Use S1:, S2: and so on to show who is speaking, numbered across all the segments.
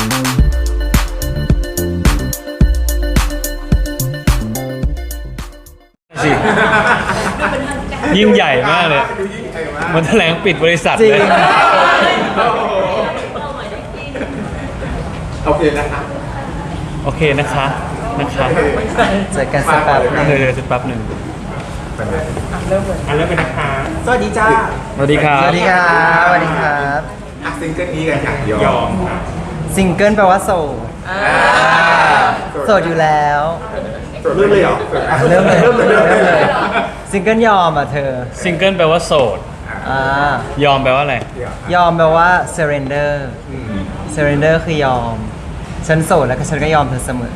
S1: สิยิ่งใหญ่มากเลยมันแถลงปิดบริษัทเลย
S2: โอเคนะคะ
S1: โอเคนะคะ
S3: เจอกันสักแป๊บนึง
S1: เดี๋ยวสักแป๊บหนึ่ง
S2: เริ่มเป็นนะคะสวัสดีจ้า
S1: สวัสดีครับ
S3: สวัสดีครับสวัสดีครับ
S2: ซิงเกิลนี้กันอย่างยอม
S3: ซิงเกิลแปลว่าโสดโสดอยู่แล้ว
S2: เริ่มเลยเหรอ
S3: เริ่มเลยซิงเกิลยอมอ่ะเธอ
S1: ซิงเกิลแปลว่าโสด ยอมแปลว่าอะไร
S3: ยอมแปลว่า surrender surrender คือยอม ฉันโสดแล้วก็ฉันก็ยอมเธอเสมอ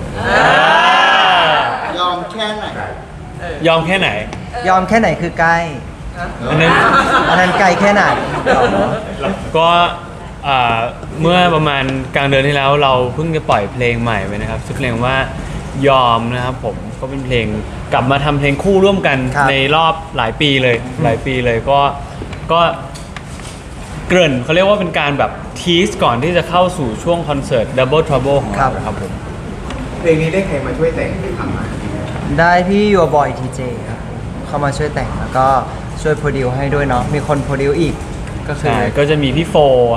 S2: ยอมแค่ไหน
S1: ยอมแค่ไหน
S3: ยอมแค่ไหนคือใกล้
S1: อันนั้น
S3: อันนั้นไกลแค่ไหน
S1: ก็เมื่อประมาณกลางเดือนที่แล้วเราเพิ่งจะปล่อยเพลงใหม่ไปนะครับชื่อเพลงว่ายอมนะครับผมก็เป็นเพลงกลับมาทำเพลงคู่ร่วมกันในรอบหลายปีเลยก็เกริ่นเขาเรียกว่าเป็นการแบบทีสก่อนที่จะเข้าสู่ช่วงคอนเสิร์ต Double Trouble ของเราครับผม
S2: เพลงนี้ได้ใครมาช่วยแต่งหรือทำมา
S3: ได้พี่ยูบอยทีเจครับเข้ามาช่วยแต่งแล้วก็ช่วยโปรดิวให้ด้วยเนาะมีคนโปรดิวอีกก็คือ
S1: ใช่ก็จะมีพี่โฟ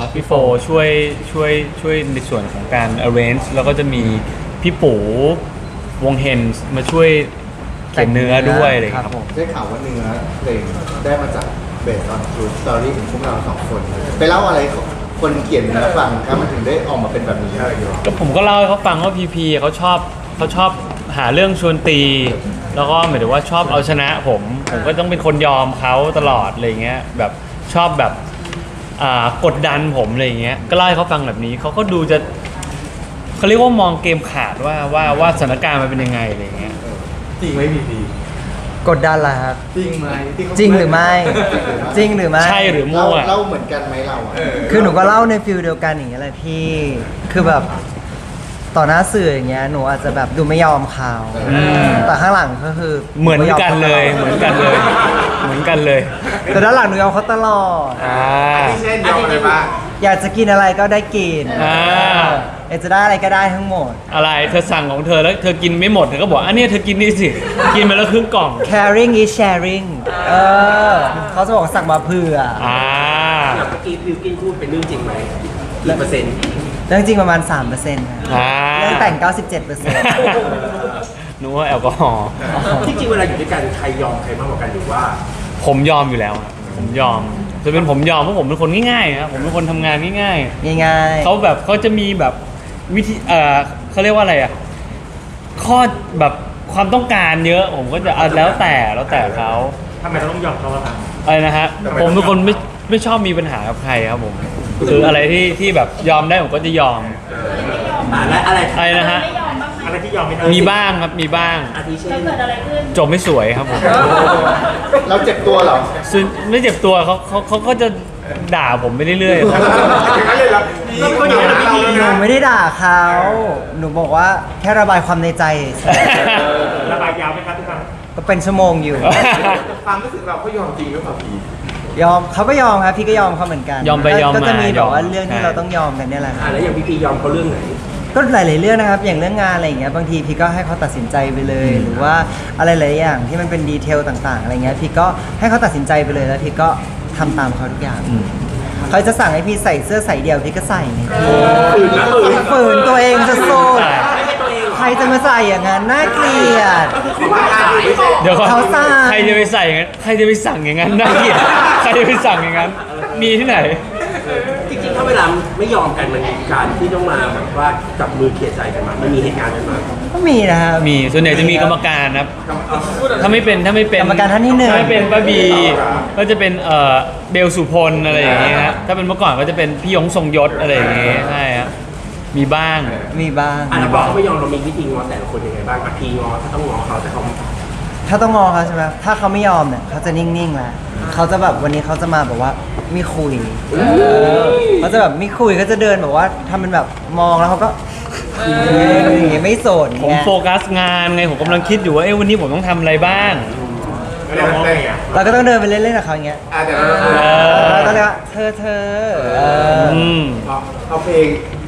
S1: ช่วยในส่วนของการ arrange แล้วก็จะมีพี่ปู่วงเฮนส์มาช่วยเขียนเนื้อด้วยอะไรอย่างเลยครับ
S2: ได้ข่าวว่าเนื้อเพลงได้มาจากเบสออนทรูสตอรี่ของพวกเราสองคนไปเล่าอะไรคนเขียนเนื้อฟังครับมันถึงได้ออกมาเป็นแบบนี้
S1: ก็ผมก็เล่าให้เขาฟังว่าพีพีเขาชอบหาเรื่องชวนตี แล้วก็หมายถึงว่าชอบเอาชนะผมก็ต้องเป็นคนยอมเขาตลอดอะไรเงี้ยแบบชอบแบบกดดันผมอะไรเงี้ยก็เล่าให้เขาฟังแบบนี้เขาก็ดูจะเขาเรียกว่ามองเกมขาดว่าสถานการณ์มันเป็นยังไงอะไรเงี้ย
S2: จริงไหมพีพี
S3: กดดันล่ะครับ
S2: จริงไหมที่เขา
S3: จริงหรือไม่ จริงหรือไม่
S1: ใช่หรือมั่ว
S2: เล่าเหมือนกันไหมเราอ่ะ
S3: คือหนูก็เล่าในฟิลเดียวกันอย่างเงี้ยแหละพี่ คือแบบต่อหน้าสื่ออย่างเงี้ยหนูอาจจะแบบดูไม่ยอมเขาแต่ข้างหลังก็คือ
S1: เหมือนกันเลยเหมือนกันเลย
S3: แต่ด้านหลังหนูยอมเขาตลอด
S2: ที่เช่นยอมอะไรบ้าง
S3: อยากจะกินอะไรก็ได้กิน อยากจะได้อะไรก็ได้ทั้งหมด
S1: อะไรเธอสั่งของเธอแล้วเธอกินไม่หมดเธอก็บอกอันนี้เธอกินนี่สิกินไปแล้วครึ่งกล่อง
S3: caring is sharing เขาจะบอกสั่งมาเผื่อ
S4: เมื่อกี้บิวกินพูดเป็นเรื่องจริงไหมกี่เปอร์เซ็นต์
S3: เรื่องจริงประมาณ 3%นะเรื่องแต่ง 97%
S1: นึกว่าแอลกอฮอล์
S4: จริงๆเวลาอยู่ด้วยกันใครยอมใครมากกว่ากันหรือว่า
S1: ผมยอมอยู่แล้วครับผมยอมจะเป็นผมยอมเพราะผมเป็นคนง่ายๆครับผมเป็นคนทำงานง่าย
S3: ง่าย
S1: ๆเขาแบบเขาจะมีแบบวิธีเขาเรียกว่าอะไรอ่ะข้อแบบความต้องการเยอะผมก็จะแล้วแต่เขา
S4: ทำไมเราต้องยอมเขาล่ะครับ
S1: อะไรนะฮะผมเป็นคนไม่ชอบมีปัญหากับใครครับผมคืออะไรที่แบบยอมได้ผมก็จะยอม
S4: และอะไร
S1: อะไรนะฮะ
S4: อะไรที่ยอมไม่ได้
S1: มีบ้างครับมีบ้าง
S4: อาทิเช่น
S1: จบไม่สวยครับผม
S2: เราเจ็บตัวเหรอ
S1: ซึ่งไม่เจ็บตัวเขาก็จะด่าผมไปเรื่อยๆครับ
S2: อย่างนั้นเลยเหรอ
S4: ก็เป็นคนอย่างนั้นพี่
S3: ๆ หนูไม่ได้ด่าเขา หนูบอกว่าแค่ระบายความในใจเฉย
S4: ระบายยาวไหมครับทุกครั้ง
S3: ก็เป็นชั่วโมงอยู่
S2: ความรู้สึกเราเขายอมจริงหรือเปล่าพี
S3: ยอมเขาก็ยอมครับพี่ก็ยอมเขาเหมือนกัน
S1: ยอมไปยอมมา
S3: ก็จะมีแบบว่า
S1: ยอม
S3: เรื่องที่
S1: ใช่
S3: เราต้องยอมกันเนี่ยแหละครับ
S4: แล้วอย่างพี่ยอมเขาเรื่องไหน
S3: ก็หลายๆเรื่องนะครับอย่างเรื่องงานอะไรอย่างเงี้ยบางทีพี่ก็ให้เขาตัดสินใจไปเลย หรือว่าอะไรหลายอย่างที่มันเป็นดีเทลต่างๆอะไรเงี้ยพี่ก็ให้เขาตัดสินใจไปเลยแล้วพี่ก็ทำตามเขาทุกอย่างเขาจะสั่งให้พี่ใส่เสื้อใส่เดี่ยวพี่ก็ใส่ไงพี่ฝืนตัวเองจะโซ่ใครจะมาใส่อย่างนั้นน่าเกลียด
S1: เดี๋ยวก่อน
S3: เขาสั่ง
S1: ใครจะไปใส่อย่างนั้นใครจะไปสั่งอย่างนั้นน่าเกลียดใครจะไปสั่งอย่างนั้น มีที่ไหน
S4: จริงๆถ้าเวลาไม่ยอมกันมันมีการที่ต้องมาแบบว่าจับมือเคลียร์ใจกันมามันมีเหตุการณ์กันมา
S3: ก็มีนะครับ
S1: มีส่วนใหญ่จะมีกรรมการครับถ้าไม่เป็น
S3: กรรมการท่านที่หนึ่ง
S1: ถ้าไม่เป็นป้าบีก็จะเป็นเบลสุพลอะไรอย่างเงี้ยฮะถ้าเป็นเมื่อก่อนก็จะเป็นพี่ยงทรงยศอะไรอย่างเงี้ยใช่ครับมีบ้าง
S3: มีบ้าง
S4: แล้วพอเขาไม่ยอมเรามีวิธีง้อแต่ละคนยังไงบ้างพีง้อถ้าต้องง้อเขาแต่เขา
S3: ถ้าต้องงอเขาใช่ไหมถ้าเขาไม่ยอมเนี่ยเขาจะนิ่งๆแหละเขาจะแบบวันนี้เขาจะมาแบบว่าไม่คุยเขาจะแบบไม่คุยก็จะเดินแบบว่าทำเป็นแบบมองแล้วเขาก็อย่างเงี้ยไม่สน
S1: ผม
S3: ไง
S1: โฟกัสงานไงผมกำลังคิดอยู่ว่าวันนี้ผมต้องทำอะไรบ้าง
S2: เราได้ไง
S3: เราก็ต้องเดินไปเล่นๆกับเขาอย่างเงี้ย
S2: แต่เรา
S3: เราต้องเรียกว่าเธอ
S1: อืม
S2: เอาเพลง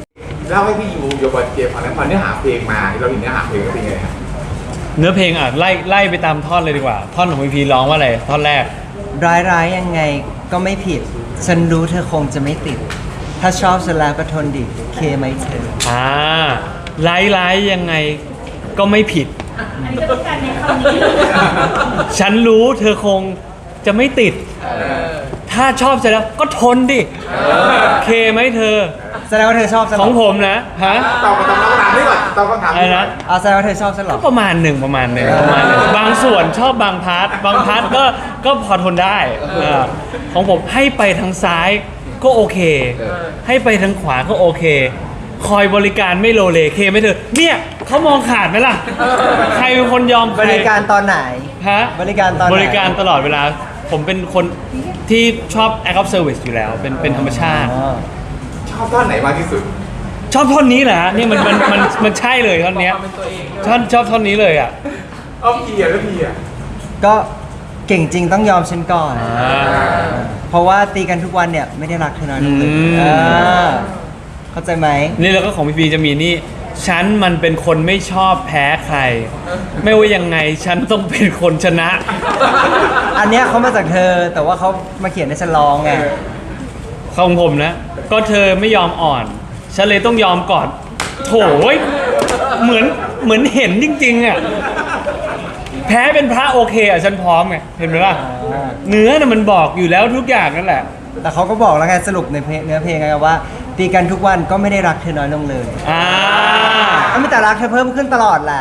S5: เล่าให้พี่ยูโยบอยเจมฟังแล้วพอเนื้อหาเพลงมาเราเห็นเนื้อหาเพลงก็เป็นไงครับ
S1: เนื้อเพลงอ่ะไล่ไปตามท่อนเลยดีกว่า ท่อนของพีพีร้องว่าอะไรท่อนแรก
S3: ร้ายยังไงก็ไม่ผิด ฉันรู้เธอคงจะไม่ติด ถ้าชอบฉันแล้วก็ทนดิเคไหมเธอ
S1: ไล่ยังไงก็ไม่ผิด
S6: อันนี้ก็ต้องการในคำนี้
S1: ฉันรู้เธอคงจะไม่ติด ถ้าชอบเสร็จแล้วก็ทนดิเคไหมเธอ
S3: แสดงว่าเธอชอบฉันเห
S1: ข
S3: ร
S1: องผมนะฮะ
S5: ตอบคำถามนี้ก่อนตอบคำถาม
S1: อะไร
S5: นี้ก่อ
S1: นะ
S5: น
S3: แสดงว่าเธอชอบฉันเหรอ
S1: ก็ประมาณหนึ่งบางส่วนชอบบางพาร์ทก็พอทนได้ของผมให้ไปทางซ้ายก็โอเค ให้ไปทางขวาก็โอเค คอยบริการไม่โลเลเคไม่เธอเนี่ยเขามองขาดไหมล่ะ ใครเป็นคนยอมใค
S3: บริการตอนไหน
S1: ฮะ
S3: บริการตอนไหน
S1: บริการตลอดเวลา ผมเป็นคนที่ชอบ act of service อยู่แล้ว เป็นธรรมชาติ
S3: อ๋อ
S5: ชอบท่อนไหนมากที่สุด
S1: ชอบท่อนนี้แหละนี่มันใช่เลยท่อนเนี้ยชอบท่อนนี้เลยอ่ะ
S5: เอาพี่อะแล้วพี่อะ
S3: ก็เก่งจริงต้องยอมฉันก่อน เพราะว่าตีกันทุกวันเนี่ยไม่ได้รักเธอน้อยลงเลย
S1: อืม
S3: เข้าใจไหม
S1: นี่แล้วก็ของพี่พีจะมีนี่ ฉันมันเป็นคนไม่ชอบแพ้ใคร ไม่ว่ายังไงฉันต้องเป็นคนชนะ
S3: อันเนี้ยเขามาจากเธอแต่ว่าเขามาเขียนให้ฉันร้องไง
S1: ของผมนะ ก็เธอไม่ยอมอ่อน ฉันเลยต้องยอมก่อน โถยเหมือนเห็นจริงๆอ่ะแพ้เป็นพระโอเคอ่ะฉันพร้อมไงเห็นไหมล่ะ เนื้อน่ะมันบอกอยู่แล้วทุกอย่างนั่นแหละ
S3: แต่เขาก็บอกแล้วไงสรุปในเพลงเนื้อเพลงไงว่า ตีกันทุกวันก็ไม่ได้รักเธอน้อยลงเลย
S1: อ่า
S3: ก็มีแต่รักเธอเพิ่มขึ้นตลอดแหละ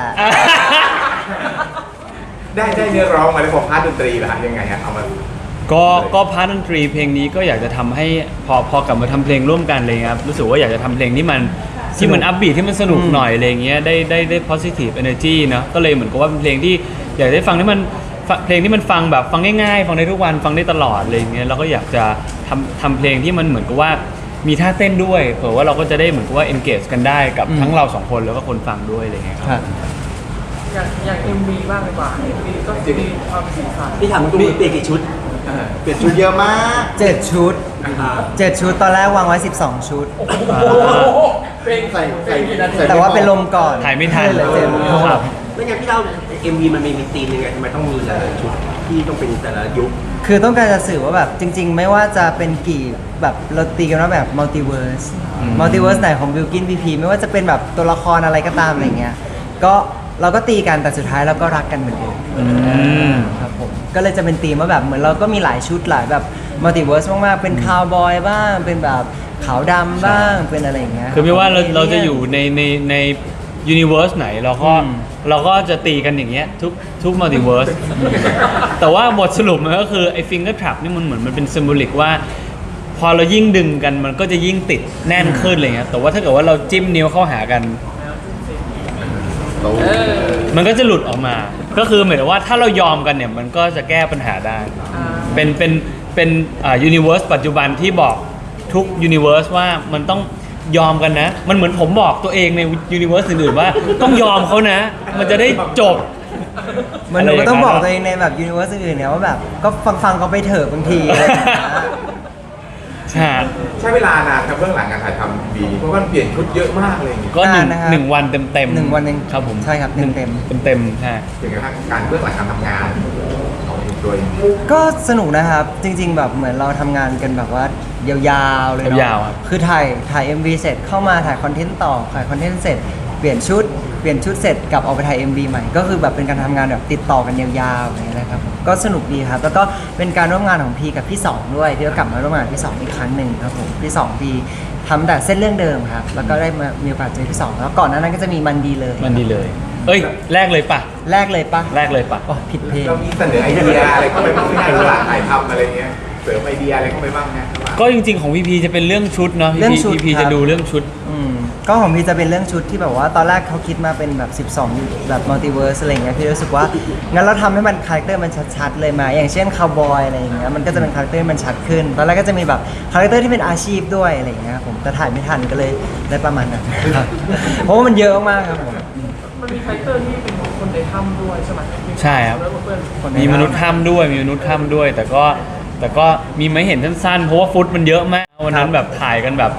S5: ได้เนื้อร้องมาแล้วพอพาร์ทดนตรีล่ะยังไงฮะเอามา
S1: ก็พาร์ทดนตรีเพลงนี้ก็อยากจะทำให้พอกลับมาทำเพลงร่วมกันเลยครับรู้สึกว่าอยากจะทำเพลงที่มันอัพบีทที่มันสนุกหน่อยอะไรเงี้ยได้ positive energy เนอะก็เลยเหมือนกับว่าเป็นเพลงที่อยากได้ฟังที่มันเพลงที่มันฟังแบบฟังง่ายๆฟังได้ทุกวันฟังได้ตลอดอะไรเงี้ยเราก็อยากจะทำเพลงที่มันเหมือนกับว่ามีท่าเต้นด้วยเผื่อว่าเราก็จะได้เหมือนกับว่า engage กันได้กับทั้งเราสองคนแล้วก็คนฟังด้วยอะไรเงี้ยครับ
S7: อย่าง MV บ้างดีกว่า MV ก็จะมีความสีสัน
S4: พี่ถามตรงๆเปลี่ยนกี่ชุด
S2: เปลี่ยนชุดเยอะมาก
S3: 7 ชุด 7 ชุดตอนแรกวางไว้ 12 ชุด
S7: เพลง
S2: ใส่
S3: แต่ว่าเป็นลมก่อน
S1: ถ่ายไม่ทัน
S3: เลยเจ็บ
S1: ครับ
S4: ไม่งั้นพี่เล่า MV มันมีธีมยังไงทำไมต้องมีหลายๆชุดที่ต้องเป็นแต่ละยุค
S3: คือต้องการจะสื่อว่าแบบจริง ๆ ไม่ว่าจะเป็นกี่แบบเราตีกันว่าแบบมัลติเวิร์สไหนของบิลกินพีพีไม่ว่าจะเป็นแบบตัวละครอะไรก็ตามอะไรเงี้ยก็เราก็ตีกันแต่สุดท้ายเราก็รักกันเหมือนเดิมครับผมก็เลยจะเป็นธีมว่าแบบเหมือนเราก็มีหลายชุดหลายแบบมัลติเวิร์สมากๆเป็นคาวบอยบ้างเป็นแบบขาวดำบ้างเป็นอะไรอย่างเงี้ย
S1: คือไม่ว่าเราจะอยู่ในยูนิเวอร์สไหนเราก็จะตีกันอย่างเงี้ยทุกมัลติเวิร์ส แต่ว่าบทสรุปมันก็คือไอ้ฟิงเกอร์ทรัพนี่มันเหมือนมันเป็นซิมโบลิกว่า พอเรายิ่งดึงกันมันก็จะยิ่งติดแน่นขึ้นอะไรเงี้ยแต่ว่าถ้าเกิดว่าเราจิ้มนิ้วเข้าหากัน มันก็จะหลุดออกมา ก็คือเหมือนว่าถ้าเรายอมกันเนี่ยมันก็จะแก้ปัญหาได้ เป็นยูนิเวอร์สปัจจุบันที่บอกทุกยูนิเวอร์สว่ามันต้องยอมกันนะ มันเหมือนผมบอกตัวเองในยูนิเวอร์สอื่นๆว่าต้องยอมเขานะ มันจะได้จบ
S3: มันหนูก็ต้องบอกตัวเองในแบบยูนิเวอร์สอื่นๆเนี่ยว่าแบบก็ฟังเขาไปเถอะบางทีอะไรอย่างเงี้ย
S1: ใช่
S5: ใช้เวลานานครับเบื้องหลังการถ่ายทำบีเพราะว่ามันเปลี่ยนชุดเยอะมากเลยอย่างเงี้ย
S1: ก็
S3: นานนะครับ
S1: หนึ่งวันเต็มๆ
S3: หนึ่งวันเอง
S1: ครับผม
S3: ใช่ครับเต็ม
S1: เต็มใช่
S5: อย่างกระทั่งการเบื้องหลังการทำงานของโดย
S3: ก็สนุกนะครับ จริง ๆ แบบเหมือนเราทำงานกันแบบว่ายาวๆเลยเนาะ
S1: ยาวๆครับ
S3: คือถ่าย MV เสร็จเข้ามาถ่ายคอนเทนต์ต่อถ่ายคอนเทนต์เสร็จเปลี่ยนชุดเสร็จกลับออกไปถ่าย MV ใหม่ก็คือแบบเป็นการทำงานแบบติดต่อกันยาวๆอย่างเงี้ยนะครับผมก็สนุกดีครับแล้วก็เป็นการร่วมงานของพีกับพี่สองด้วยที่ก็กลับมาร่วมงานกับพี่สองอีกครั้งหนึ่งครับผมพี่สองพีทำแต่เส้นเรื่องเดิมครับแล้วก็ได้มามีโอกาสเจอพี่สองแล้วก่อนหน้านั้นก็จะมีมันดีเลย
S1: มันดีเลย เอ้ยแรกเลยปะ
S3: แรกเลยปะ
S1: แรกเลยปะ
S3: อ๋อผิดเพลง
S5: เรามีเสนอไอเดียอะไรเข้าไปบ้างไหมในระหว่างถ่ายทำอะไรเงี้ยเสริมไอเดียอะไรเข้าไปบ้างนะ
S1: ก็จริงๆของพีพีจะเป็นเรื่องชุดเนาะ
S3: เรื่องชุด
S1: พีพี
S3: ครับ
S1: จะดูเรื่องชุด
S3: ก็ของพี่จะเป็นเรื่องชุดที่แบบว่าตอนแรกเขาคิดมาเป็นแบบ 12 แบบมัลติเวิร์สอะไรอย่างเงี้ยพี่รู้สึกว่างั้นเราทำให้มันคาแรคเตอร์มันชัดๆเลยมาอย่างเช่นคาวบอยอะไรอย่างเงี้ยมันก็จะเป็นคาแรคเตอร์มันชัดขึ้นตอนแรกก็จะมีแบบคาแรคเตอร์ที่เป็นอาชีพด้วยอะไรอย่างเงี้ยผมแต่ถ่ายไม่ทันก็เลยได้ประมาณนั้นครับเพราะว่ามันเยอะมากครับผม
S7: มันมีไฟเตอร์ที่เป็นของคนในถ้ำด้วยใช่ไหม
S1: ใช่ครับ
S7: แล้วเพื่อน
S1: มีมนุษย์ถ้ำด้วยมีมนุษย์ถ้ำด้วย แต่ก็มีไม่เห็นสั้นๆเพราะว่าฟุตมันเยอะมากวันนั้นแบบถ่ายกันแบบคือ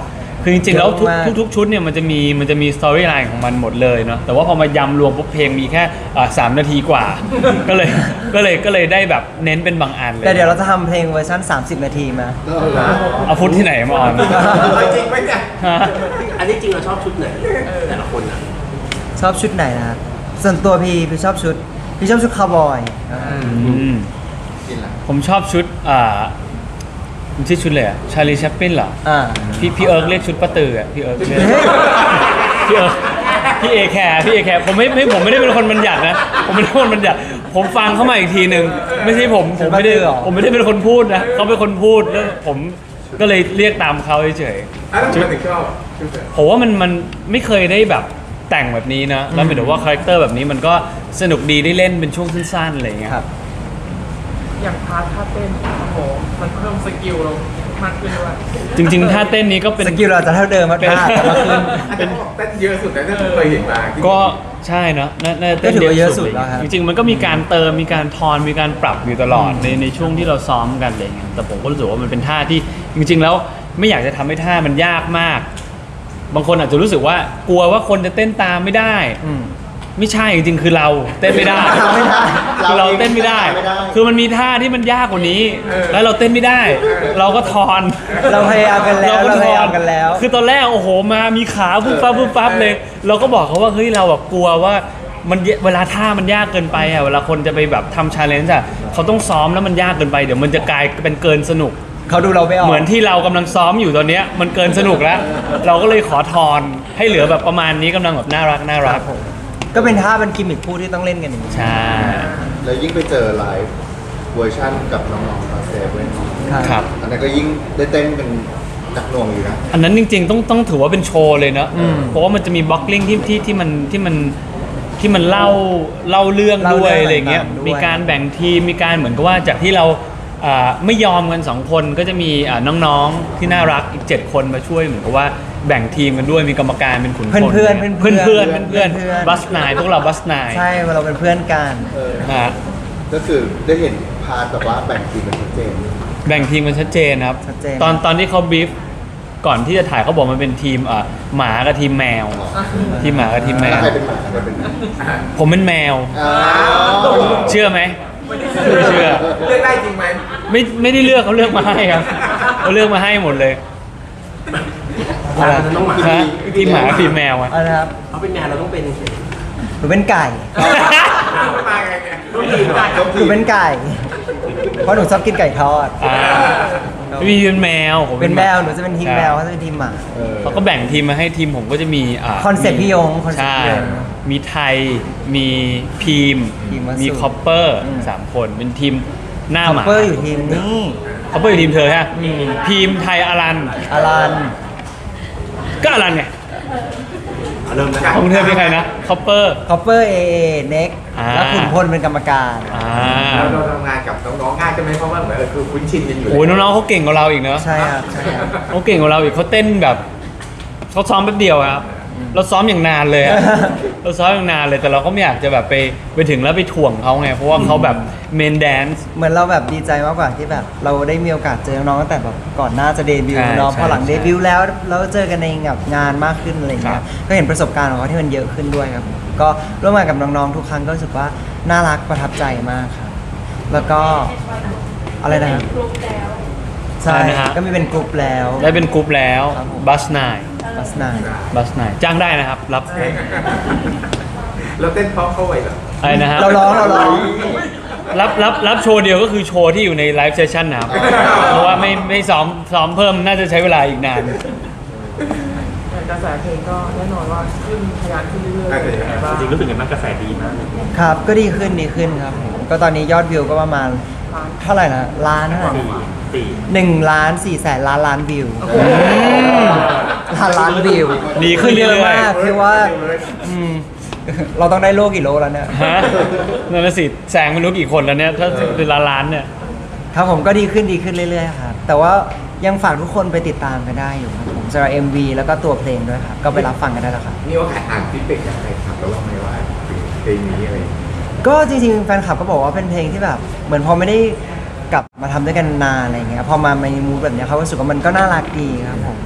S1: คือจริงๆแล้ว
S3: เยอะมาก
S1: ทุกชุดเนี่ยมันจะมีสตอรี่ไลน์ของมันหมดเลยเนาะแต่ว่าพอมายำรวมปุ๊บเพลงมีแค่3 นาทีกว่า ก็เลยได้แบบเน้นเป็นบางอันเลย
S3: แต่เดี๋ยวเราจะทำเพลงเวอร์ชัน30 นาทีมา
S1: เอาฟุตที่ไหนมาออน
S5: จริงไหมเนี่ย
S1: ฮะ
S4: อันนี้จริงเราชอบชุดไหนแต่ละคนอ่ะ
S3: ชอบชุดไหนนะครับส่วนตัวพี่ชอบชุดคาวบอย
S1: อืม
S2: กินละ
S1: ผมชอบชุดมันชื่อชุดเลยอะชาลีแชปปินเหรอ
S3: อ่า
S1: พี่เอิร์กเรียกชุดป้าตืออะพี่เอิร์กเรียก
S3: เฮ้ย
S1: พี่เอิร์กพี่เอแคร์ผมไม่ได้เป็นคนบัญญัตินะผมไม่ได้เป็นคนบัญญัติผมฟังเข้ามาอีกทีหนึ่งไม่ใช่ผมไม่ได้เป็นคนพูดนะเขาเป็นคนพูดแล้วผมก็เลยเรียกตามเขาเฉย
S5: แล้วทำไมถึงชอบชุด
S1: ๆผมว่ามันไม่เคยได้แบบแต่งแบบนี้นะแล้วหมายถึงว่าคาแรคเตอร์แบบนี้มันก็สนุกดีได้เล่นเป็นช่วงสั้นๆอะไรอย่างเงี้ย
S3: ครับ
S7: อย่างพาร์ทท่าเต้นโอ้โหมันเพิ่มสกิลเรามากขึ้นด้วย
S1: จริงๆท่าเต้นนี้ก็เป็น
S3: สกิลเราจะเท่าเดิมมากๆแต่ว่าขึ้น
S5: อาจจะบอกเต้นเยอะสุดแต่ที่เคยเห็นมา
S1: ก็ใช่เนอะน่าจะเต้น
S3: ก็ถือว่าเยอะสุด
S1: ล
S3: แล้วครับ
S1: จริงๆมันก็มีการเติมมีการทอนมีการปรับอยู่ตลอดในช่วงที่เราซ้อมกันอะไรเงี้ยแต่ผมก็รู้สึกว่ามันเป็นท่าที่จริง ๆ แล้วไม่อยากจะทำให้ท่ามันยากมาก บางคนอาจจะรู้สึกว่ากลัวว่าคนจะเต้นตามไม่ได้
S3: อืม
S1: ไม่ใช่จริงๆคือเราเต้นไม่ได้
S3: เราไม่ได้
S1: คือเราเต้นไม่ได้ คือมันมีท่าที่มันยากกว่านี้ แล้วเราเต้นไม่ได้ เราก็ทอน
S3: เราพยายามกันแล้ว
S1: ก็
S3: เราพยายามกันแล้ว
S1: คือตอนแรกโอ้โหมามีขาปุ๊บปั๊บเลย เราก็บอกเขาว่าเฮ้ยเราแบบกลัวว่ามันเวลาท่ามันยากเกินไปอ่ะเวลาคนจะไปแบบทำชาเลนจ์อ่ะเขาต้องซ้อมแล้วมันยากเกินไปเดี๋ยวมันจะกลายเป็นเกินสนุก
S3: เขาดูเราไม่ออก
S1: เหมือนที่เรากำลังซ้อมอยู่ตอนเนี้ยมันเกินสนุกแล้ว เราก็เลยขอทอนให้เหลือแบบประมาณนี้กำลังแบบน่ารัก
S3: ครับผมก็เป็นท่าเป็นกิมมิคคู่ที่ต้องเล่นกันอย่างนี้
S1: ใช่
S2: แล้วยิ่งไปเจอไลฟ์เวอร์ชั่นกับน้องๆตอนเซเว่น
S1: ครับ
S2: อันนั้นก็ยิ่งได้เต้นเป็นหนักหน่วงอยู่นะ
S1: อันนั้นจริงๆต้องถือว่าเป็นโชว์เลยเนอะเพราะว่ามันจะมีบล็อกกิ้งที่มันเล่าเรื่องด้วยอะไรเงี้ย มีการแบ่งทีมมีการเหมือนกับว่าจากที่เราไม่ยอมกัน2 คนก็จะมีน้องๆที่น่ารักอีก7 คนมาช่วยเหมือนกับว่าแบ่งทีมกันด้วยมีกรรมการเป็นขุนพล
S3: เพื่อน
S1: บัสนายพวกเราบัสนาย
S3: ใช่เราเป็นเพื่อนกัน
S1: ฮะ
S2: ก็คือได้เห็นพาร์ทแบบว่าแบ่งทีมเป็นชัดเจน
S1: แบ่งทีมมันชัดเจนครับ
S3: ชัดเจน
S1: ตอนที่เขาบีฟก่อนที่จะถ่ายเขาบอกมันเป็นทีมหมากับทีมแมว ทีมหมากับทีมแม
S2: แล้ว
S1: ว
S2: ใครเป็นหมาใครเป็นแมว
S1: ผมเป็นแมว
S2: อ้าว
S1: เชื่อไหมไม่เชื่อ
S5: เลือกได้จริงไหม
S1: ไม่ได้เลือกเขาเลือกมาให้ครับเขาเลือกมาให้หมดเลย
S4: เราต้องหมา
S1: ฮะทีมหมากับทีมแมวอะ
S3: เอาละครับ
S4: เขาเป็นแมวเราต้องเป็น
S3: หนูเป็นไก่
S5: มาไงเนี่ย
S3: หนูเป็นไก่ เพราะหนูชอบกินไก่ทอด
S1: มีเป็นแมวผม
S3: เป็นแมวหนูจะเป็นทีมแมวเขาจะเป็นทีมหมา
S1: เขาก็แบ่งทีมมาให้ทีมผมก็จะมี
S3: คอนเซ็ปต์พี่ยงคอนเซ็ปต์
S1: ใช่
S3: พี่ยง
S1: มีไทยมีพีม
S3: พีมวัสสุ
S1: มีคอปเปอร์3 คนเป็นทีมหน้า
S3: คอ
S1: ห
S3: ป
S1: มา
S3: เปอร์อยู่ทีมนี่
S1: คอปเปอร์อยู่ทีมเธอฮะพีมไทยอลัน
S3: อารัน
S1: ก็อลันไง
S4: เริ่มนะครับ
S1: ของเธอเป็นใครนะคอปเปอร์
S3: คอปเปอร์เอเน็ก
S1: อ่า
S3: แล้วขุนพลเป็นกรรมการ
S5: เราทำงานกับน้องๆง่ายใช่ไหมเพราะว่าเหมือนคือคุ้นชินกันอยู่
S1: โอ้ยน้องๆเขาเก่งกว่าเราอีกเนอะ
S3: ใช่ครับใช่ครับ
S1: เขาเก่งกว่าเราอีกเขาเต้นแบบเขาซ้อมแป๊บเดียวครับเราซ้อมอย่างนานเลยอะ เราซ้อมอย่างนานเลยแต่เราก็ไม่อยากจะแบบไปถึงแล้วไปถ่วงเขาไงเพราะว่าเขาแบบเมนแดนซ์
S3: เหมือนเราแบบดีใจมากกว่าที่แบบ เราได้มีโอกาสเจอน้องตั้งแต่แบบก่อนหน้าจะเดบิว
S1: ใช่
S3: ต์เนาะ
S1: ใช่
S3: พอหลัง
S1: ใช่
S3: เดบิวต์แล้วเราเจอกันในแบบงานมากขึ้นอะไร
S1: ครั
S3: เงี้
S1: บ
S3: ยก็เห็นประสบการณ์ของเขาที่มันเยอะขึ้นด้วยครับก็ร่วมงานกับน้องๆทุกครั้งก็รู้สึกว่าน่ารักประทับใจมากครับแล้วก็อะไรนะครับ
S6: กรุ๊ปแล้ว
S3: ใช่
S1: อะไรนะฮะ
S3: ก็มีเป็นกลุ่มแล้ว
S1: ได้เป็นกรุ๊ปแล้ว
S3: ครับผม
S1: บัสนาย
S3: บัสนาย
S1: บัสนายจ้างได้นะครับ รับ
S5: เราเต้นเพราะเข้าไปเหรอ
S1: อะไรนะฮะ
S3: เราร้อง
S1: รับโชว์เดียวก็คือโชว์ที่อยู่ในไลฟ์เซสชั่นนะครับ เพราะว่าไม่ซ้อมเพิ่มน่าจะใช้เวลาอีกนาน
S7: แต่กระแสเพลงก็แน่นอนว่าขึ้นทะยานขึ้นเรื่อยๆเป็นยังไงบ้าง
S4: จริงรู้สึกยังไงบ้างกระแสดีมาก
S3: ครับก็ดีขึ้นครับผมก็ตอนนี้ยอดวิวก็ประมาณเท่าไหร่นะล้านเท่าไหร่
S4: ตี
S3: 1,400,000,000,000 วิวล้านวิว
S1: ดีขึ้นเรื่อยๆ
S3: เยอะมากคือว่าอืมเราต้องได้โลกี่โลแล้วเนี่ย
S1: ฮะนั่นนะสิแซงไม่รู้กี่คนแล้วเนี่ย ถ้าเป็นล้านๆเนี่ย
S3: ครับผมก็ดีขึ้นเรื่อยๆครับแต่ว่ายังฝากทุกคนไปติดตามกันได้อยู่ครับผมสำหรับ MV แล้วก็ตัวเพลงด้วยครับก็ไปรับฟังกันได้แล้วครับ
S5: นี่ว่าอ่านฟีดแบ็กจากใครครับแล้วว่าไม่ว่าเพลงนี้อะไรอย่างเงี้ย
S3: ก็จริงๆแฟนคลับก็บอกว่าเป็นเพลงที่แบบเหมือนพอไม่ได้กลับมาทำด้วยกันนานอะไรเงี้ยพอมาในมูดแบบเนี้ยเขารู้สึกว่ามันก็น่ารักดีครับผม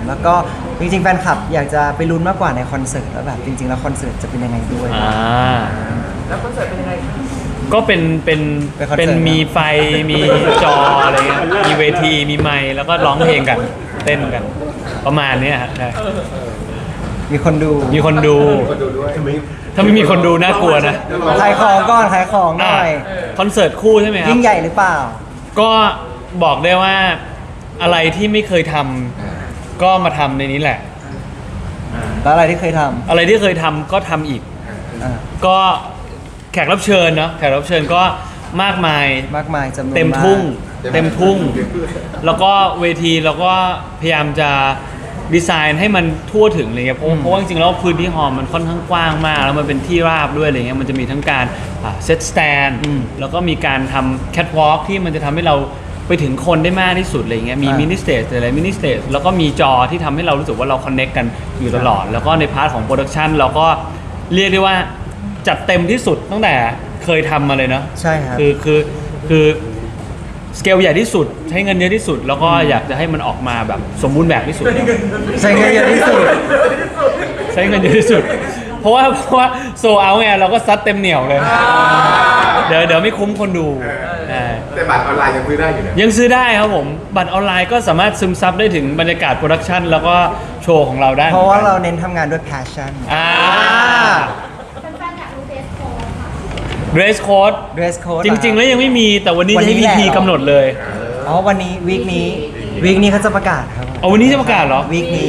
S3: แล้วก็จริงๆแฟนคลับอยากจะไปลุ้นมากกว่าในคอนเสิร์ตแล้วแบบจริงๆแล้วคอนเสิร์ตจะเป็นยังไงด้วย
S7: แล้วคอนเสิร์ตเป็นยังไงคะ
S1: ก็เป็น
S3: เป็นคอนเสิร์ต
S1: มีไฟมีจออะไรเงี้ยมีเวทีมีไมค์แล้วก็ร้องเพลงกันเต้นกัน ประมาณเนี้ยฮะใช่
S3: มีคนดู
S1: มีคนดู
S2: คนดูด้วย
S1: ถ้าไม่มีคนดูน่ากลัวนะ
S3: ขายของก่อนขายของหน่อย
S1: คอนเสิร์ตคู่ใช่ไหมครับ
S3: ยิ่งใหญ่หรือเปล่า
S1: ก็บอกได้ว่าอะไรที่ไม่เคยทำก็มาทำในนี้แหละ
S3: แล้วอะไรที่เคยท
S1: อะไรที่เคยทำก็ทำอีก
S3: ำอ่า
S1: ก็แขกรับเชิญเนาะแขกรับเชิญก็มากมาย
S3: มากมายจำนวน
S1: เต็มทุ่ง
S3: าก
S1: เต็มทุ่ง แล้วก็เวทีเราก็พยายามจะดีไซน์ให้มันทั่วถึงอะไรเงี้ยเพราะว่าจริงๆแล้วพื้นที่ฮอลล์มันค่อนข้างกว้างมาก แล้วมันเป็นที่ราบด้วยอะไรเงี้ยมันจะมีทั้งการเซตสแตนแล้วก็มีการทำแคทวอล์กที่มันจะทำให้เราไปถึงคนได้มากที่สุดอะไรเงี้ยมีมินิสเตจอะไรมินิสเตจแล้วก็มีจอที่ทำให้เรารู้สึกว่าเราคอนเน็กกันอยู่ตลอด แล้วก็ในพาร์ทของโปรดักชันเราก็เรียกได้ว่าจัดเต็มที่สุดตั้งแต่เคยทำมาเลยเนาะ
S3: ใช่ครับ
S1: คือสเกลใหญ่ที่สุดใช้เงินเยอะที่สุด แล้วก็อยากจะให้มันออกมาแบบสมบูรณ์แบบที่สุด
S3: ใช้เงินเยอะที่สุด
S1: ใช้เงินเยอะที่สุด เพราะว่าโซเอาไงเราก็ซัดเต็มเหนียวเลย เดี๋ยวไม่คุ้มคนดูา
S5: แต่บัตรออนไลน์ยังซื้อได้อยู่นะ
S1: ยังซื้อได้ครับผม บัตรออนไลน์ก็สามารถซึมซับได้ถึงบรรยากาศโปรดักชันแล้วก็โชว์ของเราได้
S3: เพราะว่าเราเน้นทำงานด้วย passion
S6: แฟนๆอยากรู้เดสโค้ดค่ะ
S1: dress code
S3: dress code
S1: จริง ๆ แล้วยังไม่มีแต่วันนี้จะให้
S3: วันนี้
S1: VP
S3: แหละ
S1: กำหนดเลย
S3: อ๋อวันนี้วีคนี้เขาจะประกาศครับ
S1: เอาวันนี้จะประกาศเหรอ
S3: วีคนี้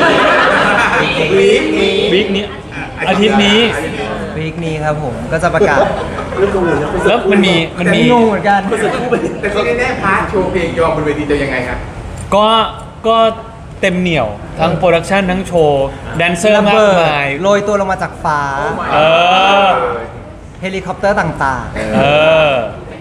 S1: วีคนี้อาทิตย์นี้
S3: วีคนี้ครับผมก็จะประกาศ
S4: เรื่องกังวลนะคอนเสิร์ต
S1: แล้วมันมี
S3: งงเหมือนกัน
S5: แต่ที่แน่ๆพาร์ทโชว์เพลงยอมบนเวทีจะยังไงครับ
S1: ก็เต็มเหนียวทั้งโปรดักชันทั้งโชว์แดนเซอร์มากมาย
S3: โรยตัวลงมาจากฟ้า
S1: เออ
S3: เฮลิคอปเตอร์ต่าง
S1: เออ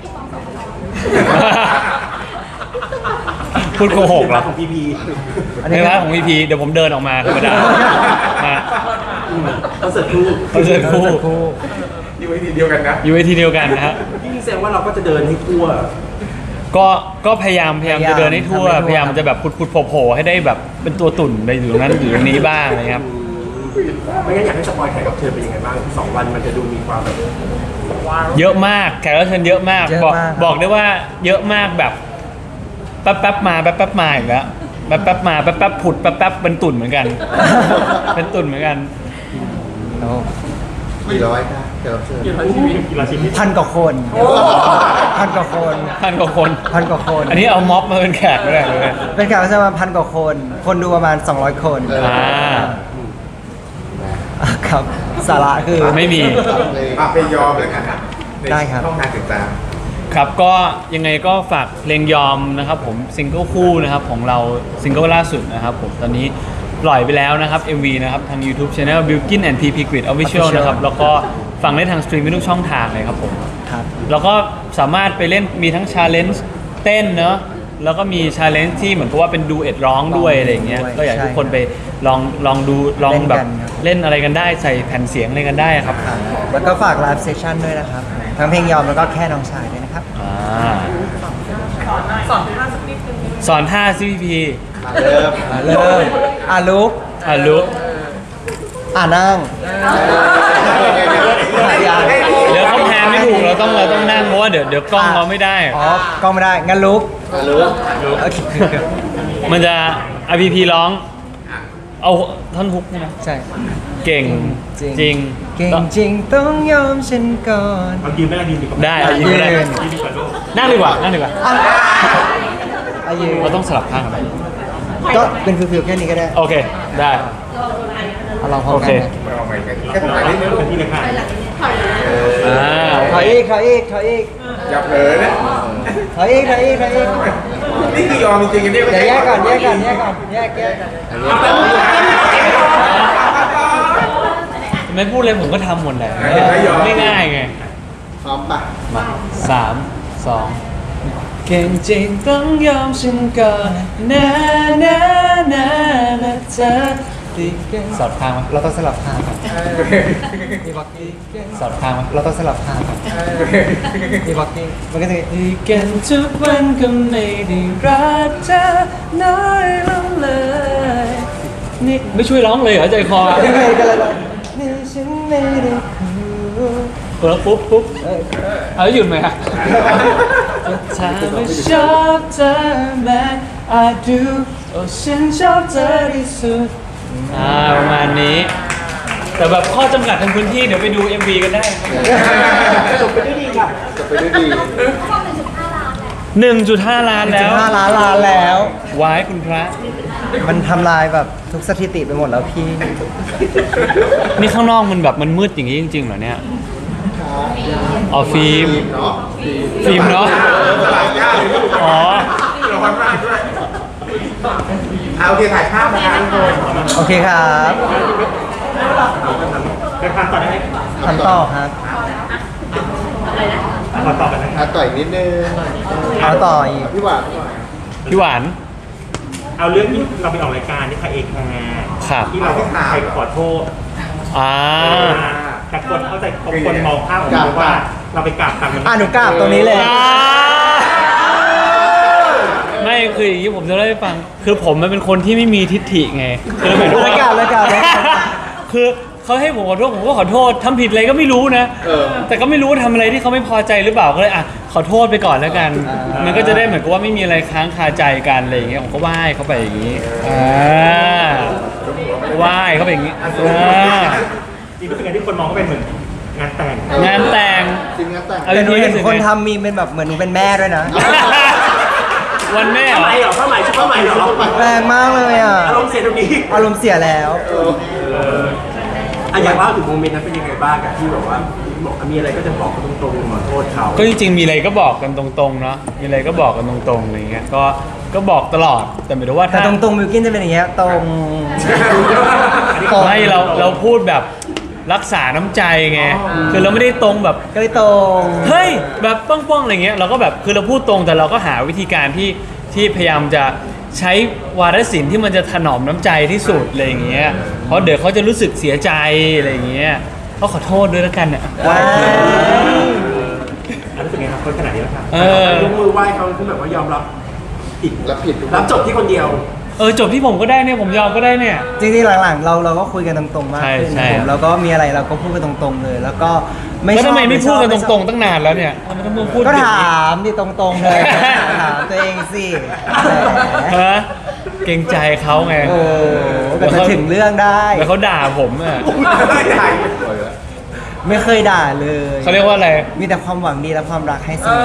S1: พูดโกหกเหรอ
S4: ของพีพี
S3: ๆ
S1: ในร้านของ VP เดี๋ยวผมเดินออกมาธรรมดาฮะ
S4: คอนเสิร์ตคู่
S1: คอนเสิร์ตคู่
S5: อยู่เวทีเดียวกันนะ
S1: อยู่เวทีเดียวกันนะฮะ
S4: พี่แสดงว่าเราก็จะเดินให้ทั่ว
S1: ก็พยายามจะเดินให้ทั่ว พยายามจะแบบพุดๆโผล่ๆให้ได้แบบเป็นตัวตุ่นไปอยู่ตรงนั้นอยู่ตรงนี้บ้างอะไรครับ
S4: ไม่งั้นอยากให้สปอยแขกรับเชิญเป็นยังไงบ้าง2 วันมันจะดูมีความแบบ
S1: เยอะมากแขกรับเชิญเยอะมาก
S3: เยอะมาก
S1: บอกได้ว่าเยอะมากแบบแป๊บๆมาแป๊บๆมาอีกแล้วแป๊บๆมาแป๊บๆผุดแป๊บๆเป็นตุ่นเหมือนกัน เป็นตุ่นเหมือนกัน
S3: โอ้
S2: กี่ร้อยครับแขกรับเชิญ
S3: พันกว่าคน พันกว่าคน
S1: พันกว่าคน
S3: พันกว่าคน
S1: อันนี้เอาม็อบมาเป็นแขกไม่ได้เลย
S3: เป็นการประมาณพันกว่าคน คนดูประมาณ 200 คน
S1: อ่า
S3: ครับ สาระคือ
S1: ไม่มี
S5: เพลงยอมเลยกันนะใน
S3: ได้ครับ
S5: ช่องทางติดตาม
S1: ครับก็ยังไงก็ฝากเพลงยอมนะครับผมซิงเกิลคู่นะครับของเราซิงเกิลล่าสุดนะครับผมตอนนี้ปล่อยไปแล้วนะครับ MV นะครับทาง YouTube Channel Bilkin and PP Grid Official นะครับแล้วก็ฟังได้ทางสตรีมมิ่งทุกช่องทางเลยครับผม
S3: ครับ
S1: แล้วก็สามารถไปเล่นมีทั้งชาเลนจ์เต้นเนอะแล้วก็มีชาเลนจ์ที่เหมือนกับว่าเป็นดูเอ็ดร้องด้วยอะไรอย่างเงี้ย
S3: ด้วย
S1: ก็อยากให้ทุกคน
S3: ใช่
S1: ไปลองดูลองแบบ
S3: เล่นกันครับ
S1: เล่นอะไรกันได้ใส่แผ่นเสียงอะไรกันได้ครับ
S3: ครับแล้วก็ฝากไลฟ์เซสชั่นด้วยนะครับ ทั้งเพลงยอมแล้วก็แค่น้องชายด้วยนะครับ
S1: อ่า
S7: สอนท่าสักนิดนึง
S1: สอนท่า CPP
S2: เริ่ม
S3: เริ่มลุก
S1: ลุก
S3: นั่งยาง
S1: เดี๋ยวเขาแพนไม่ถูกเราต้องนั่งเพราะว่าเดี๋ยวกล้องเราไม่ได้
S3: อ๋อกล้องไม่ได้ งั้นลุก
S2: รู้
S3: โอเค
S1: มันจะ RPP ร้อง เอาท่อนฮุกใช่ไหม
S3: ใช่
S1: เก่งจริง
S3: เก่งจริงต้องยอมฉันก่อน
S1: ได้เอายืนก็ได้
S3: ยืน
S1: นั่งดีกว่านั่งดีกว่า
S3: อายุ
S1: เราต้องสลับข้างกันไป
S3: ก็เป็นฟิวๆแค่นี้ก็ได้
S1: โอเคได้
S3: เอาลองพร้อม
S1: โอ
S3: กั
S1: เค
S3: นนะ
S5: ไม่เอาใหม่กันแค่ตรงไหนนิดนึง
S1: อ่า
S3: ถอยอีกถอยอีกถอยอีก
S5: อย่าเผลอนะ
S3: ถอยอีกถอยอีกถอยอีก
S5: นี่คือยอมจริงๆอันนี้
S3: เดี๋ยวแยกก่อนแยกก่อนแยกก่อนแยก
S1: ไม่พูดเลยผมก็ทำหมดแหละง่ายๆไง
S2: พร้อมปะ
S1: มา3 2เก่งจริงต้องยอมฉันก่อนนะนะนะนะเธอสอดข้างไหม
S3: เราต้องสลับข้างครับพี่บ็อกกี้
S1: สอดข้างไหม
S3: เราต้องสลับข้างครับพี่บ็อกกี้มันก็จะ
S1: ที่กันทุกวันก็ไม่ได้รักเธอน้อยลงเลยนี่ไม่ช่วยร้องเลยเหรอใจคอ
S3: ยังไงกันล่ะนี่ฉันไม่ได้คู่
S1: แล้วปุ๊บเอาแล้วหยุดไหมฮะถ้าไม่ชอบเธอแม้อาจดูโอ้ฉันชอบเธอที่สุดประมาณนี้ แต่แบบข้อจำกัดทางพื้นที่เดี๋ยวไปดู MV กันได้
S4: จบไปด้วยดีค่ะ
S2: จะไปด้วยดี
S6: เขาบอก1.5 ล้านแล้ว
S1: 1.5 ล้านแล้ว
S3: 5 ล้านแล้ว
S1: วายคุณพระ
S3: มันทำลายแบบทุกสถิติไปหมดแล้วพี่
S1: นี่ข้างนอกมันแบบมันมืดอย่างนี้จริงๆเหรอเนี่ยอ๋อฟิล์ม
S2: เนาะ
S1: ฟิล์มเนาะ
S5: สลายยากเลย
S1: อ๋อ
S5: ร้อนมากด้วยเอาโอเคถ่ายภาพนะคะทุกคน
S3: โอเคครับ
S5: ไปทานต่อได้ไหม
S3: ทำต่อครับ
S5: ขอตอบกันนะ
S2: ต่อยนิดนึง
S3: เอาต่ออีก
S2: พี่หวาน
S1: พี่หวาน
S8: เอาเรื่องที่เราไปออกรายการที่คาเอแคร์
S1: ครับ
S8: ที่เราไปขอโทษ แต่คนเข้าใจคนมองภาพของเราว่าเราไปกราบตังค์มัน
S3: หนูกราบตรงนี้เลย
S1: ไม่คืออย่างนี้ผมจะเล่าให้ฟัง คือผมมันเป็นคนที่ไม่มีทิฏฐิไงคือหมายถึงว่า
S3: แล้วกัน
S1: คือเขาให้ผมขอโทษผมก็ขอโทษทำผิดอะไรก็ไม่รู้นะ แต่ก็ไม่รู้ว่าทำอะไรที่เขาไม่พอใจหรือเปล่าก็เลยขอโทษไปก่อนแล้วกัน มันก็จะได้เหมือนกับว่าไม่มีอะไรค้างคาใจกันอะไรอย่างเงี้ยผมก็ไหว้เขาไปอย่างนี้ไหว้เขาไปอย่างนี้
S8: จริงๆเป็นการที่คนมองก็เป็นเหมือนงานแต่ง
S1: งานแต่ง
S2: จริงงานแต่ง
S1: เอา
S3: แต่หนูเห็น
S1: รู้สึกไง
S3: คนทำมีเป็นแบบเหมือนหนูเป็นแม่ด้วยนะ
S1: วันแม่เหร
S4: ผ้า
S1: อ
S4: ไหมเหรอผ้าไหมชุดผ้าไหมเหรอ
S3: แรงมากเลยอ่ะ
S4: อารมณ์เสียตรงนี้
S3: อารมณ์เสียแล้ว
S4: อยากเล่าถึงโมเมนต์นั้นเป็นยังไงบ้างกับที่แบบว่าบอกมีอะไรก็จะบอกเขาตรงๆขอโทษเขา
S1: ก็จริงๆมีอะไรก็บอกกันตรงๆเนาะมีอะไรก็บอกกันตรงๆอะไรเงี้ยก็บอกตลอดแต่หมายถึงว่า
S3: แต่
S1: ถ้า
S3: ตรงๆมิวกินจะเป็นอย่างเงี้ยตรง
S1: ไม่เราพูดแบบรักษาน้ำใจไงคือเราไม่ได้ตรงแบบ
S3: ก็เลยตรง
S1: เฮ้ยแบบป้องๆอะไรเงี้ยเราก็แบบคือเราพูดตรงแต่เราก็หาวิธีการที่พยายามจะใช้วาทศิลป์ที่มันจะถนอมน้ำใจที่สุดอะไรอย่างเงี้ยเพราะเดี๋ยวเขาจะรู้สึกเสียใจอะไรอย่างเงี้ยก็ขอโทษด้วยแล้วกันเนี่ย
S3: ว้าย
S8: รู้สึกไงครับคนขนาดนี้แล้วครับ
S4: ยกมือไหว้เขาคือแบบว่ายอมรับผิด
S2: รับผิดทุก
S4: รับจบที่คนเดียว
S1: จบที่ผมก็ได้เนี่ยผมยอมก็ได้เนี่ย
S3: จริงๆหลังๆเราก็คุยกันตรงๆมากขึ้น
S1: ใช่
S3: ผมแล้วก็มีอะไรเราก็พูดกันตรงๆเลย แล้วก็ไม่
S1: แล้ว
S3: ชอบ
S1: ทำไมไม่พูดกัน
S3: ช
S1: ต
S3: อบ
S1: รงๆตั้งนานแล้วเนี่ยทำไมต้องมาพูด
S3: ก็ถามดิตรงๆเลยถามตัวเองสิแหม
S1: ฮะเกรงใจเขาไง
S3: โอ้ก็จะถึงเรื่องได้
S1: แล้วเขาด่าผมอ่ะ
S3: ไม่เคยด่าเลย
S1: เขาเรียกว่าอะไร
S3: มีแต่ความหวังดีและความรักให้เสมอ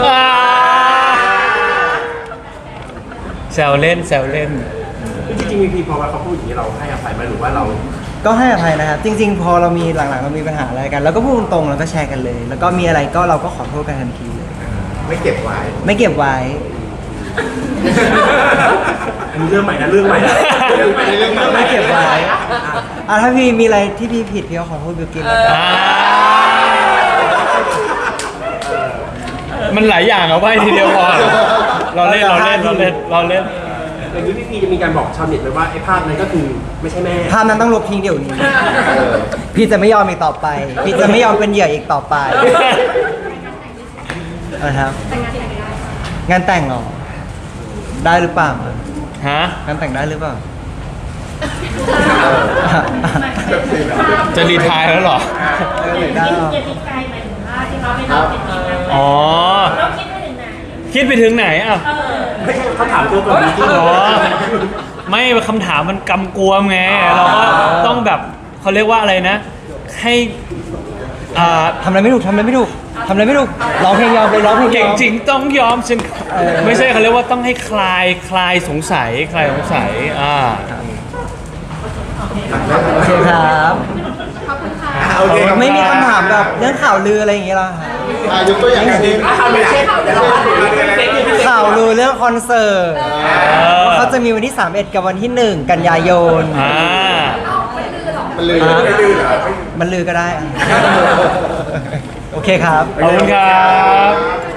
S1: แซวเล่นแซวเล่น
S4: จริงๆมีพีพอว่าเขาพูดอย่างนี้เราให้อภัยไหมหรือว่าเรา
S3: ก็ให้อภัยนะครับ จริง ๆ พอเรามีหลังๆเรามีปัญหาอะไรกันเราก็พูดตรงๆแล้วก็แชร์กันเลย แล้วก็มีอะไรก็เราก็ขอโทษกันทันทีเลย
S5: ไม่เก็บไว้
S3: ไม่เก็บไว้
S4: มีเรื่องใหม่นะเรื่องใหม่นะ
S3: ไม่เก็บไว้ถ้าพี่มีอะไรที่พี่ผิดพี่ก็ขอโทษบิวกินแล้วกัน
S1: มันหลายอย่างเอาไว้ทีเดียวพอเราเล่น
S4: อย่างนี้พี่พีจะมีการบอกชาวเน็ตไหมว่าไอ้ภาพนั้นก็คือไม่ใช่แม่
S3: ภาพนั้นต้องลบทิ้งเดี๋ยวนี้ พี่จะไม่ยอมอีกต่อไป พี่จะไม่ยอมเป็นเหยื่ออีกต่อไปนะครับ งานแต่งเหรอ ได้หรือเปล่า
S1: ฮะ
S3: งานแต่งได้หรือเปล่า
S1: จะรีไทายแล้วเหรอ
S3: ได้หรอ
S6: อย่าติดใจหมายถึงว่าที่เขาไม่รับเป็นทีนั้น
S1: อ๋อ
S6: เราคิดไปถึงไหน
S1: คิดไปถึงไหนอ่ะ
S4: ไม่ใช่เขาถามตัวก่อนจริง
S1: อ๋อ ไม่คำถามมันกำกวมไง เราก็ต้องแบบเขาเรียกว่าอะไรนะ ให้
S3: ทำอะไรไม่ถูกร้องเพลงยอมเลยร้องเพลงย
S1: เก่ง
S3: อม
S1: จริงต้องยอมฉันไม่ใช่เขาเรียกว่าต้องให้คลายสงสัย
S3: โอเคครับ
S5: โอเค
S3: ไม่มีคำถามแบบเรื่องข่าวลืออะไรอย่างเงี้ยหรอคะ
S2: ยกตัวอย่างเช่น
S4: ๆข่าวไม่เช่นเดี๋ยวเราพาดถึงเฟซนิว
S3: ข่าวลือเรื่องคอนเสิร์ตว่าเขาจะมีวันที่ 31 กับวันที่ 1 กันยายน
S2: มันเลย
S3: มันลือก็ได้ โอเคครับ
S1: ขอบคุณครับ